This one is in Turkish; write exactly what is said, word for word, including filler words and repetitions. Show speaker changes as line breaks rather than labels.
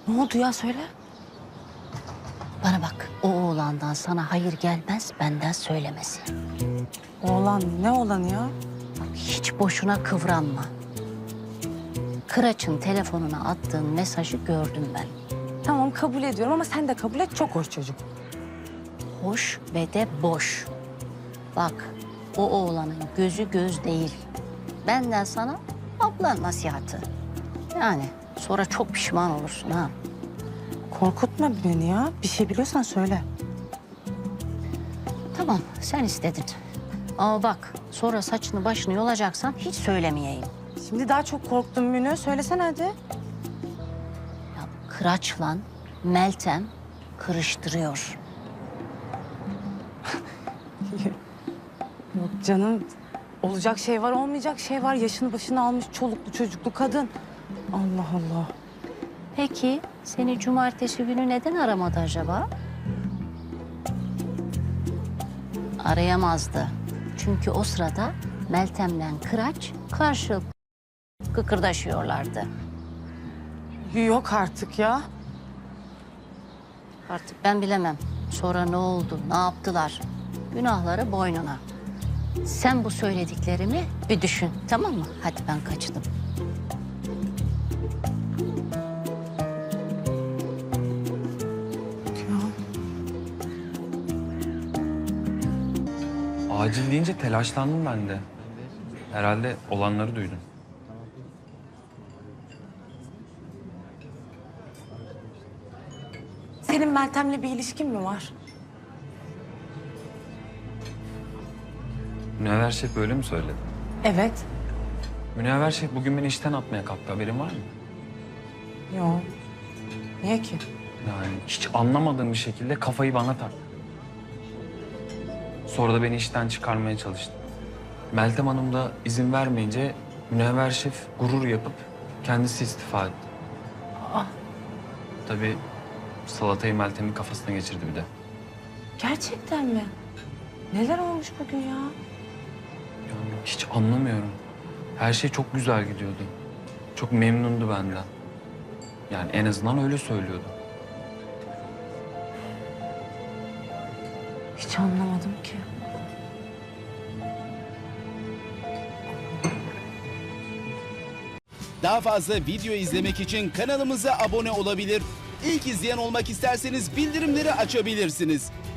Ne oldu ya, söyle.
Bana bak, o oğlandan sana hayır gelmez, benden söylemesi.
Oğlan ne oğlan ya?
Hiç boşuna kıvranma. Kıraç'ın telefonuna attığın mesajı gördüm ben.
Tamam, kabul ediyorum ama sen de kabul et, çok hoş çocuk.
Hoş ve de boş. Bak, o oğlanın gözü göz değil. Benden sana abla nasihatı. Yani sonra çok pişman olursun ha.
Korkutma beni ya. Bir şey biliyorsan söyle.
Tamam, sen istedin. Ama bak, sonra saçını başını yolacaksan hiç söylemeyeyim.
Şimdi daha çok korktum Münü. Söylesene hadi.
Ya Kıraç'la Meltem kırıştırıyor.
Yok canım. Olacak şey var, olmayacak şey var. Yaşını başını almış çoluklu çocuklu kadın. Allah Allah.
Peki seni cumartesi günü neden aramadı acaba? Arayamazdı. Çünkü o sırada Meltem'le Kıraç karşılıklı kıkırdaşıyorlardı.
Yok artık ya.
Artık ben bilemem. Sonra ne oldu, ne yaptılar? Günahları boynuna. Sen bu söylediklerimi bir düşün, tamam mı? Hadi ben kaçtım.
Ya.
Acil deyince telaşlandım ben de. Herhalde olanları duydun.
Senin Meltem'le bir ilişkin mi var?
Münevver Şef böyle mi söyledi?
Evet.
Münevver Şef bugün beni işten atmaya kalktı. Haberin var mı?
Yok. Niye ki?
Yani hiç anlamadığım bir şekilde kafayı bana taktı. Sonra da beni işten çıkarmaya çalıştı. Meltem Hanım da izin vermeyince Münevver Şef gurur yapıp kendisi istifa etti.
Aa,
Tabii salatayı Meltem'in kafasına geçirdi bir de.
gerçekten mi? Neler olmuş bugün ya?
Yani hiç anlamıyorum. Her şey çok güzel gidiyordu. Çok memnundu benden. Yani en azından öyle söylüyordu.
Hiç anlamadım ki.
Daha fazla video izlemek için kanalımıza abone olabilir. İlk izleyen olmak isterseniz bildirimleri açabilirsiniz.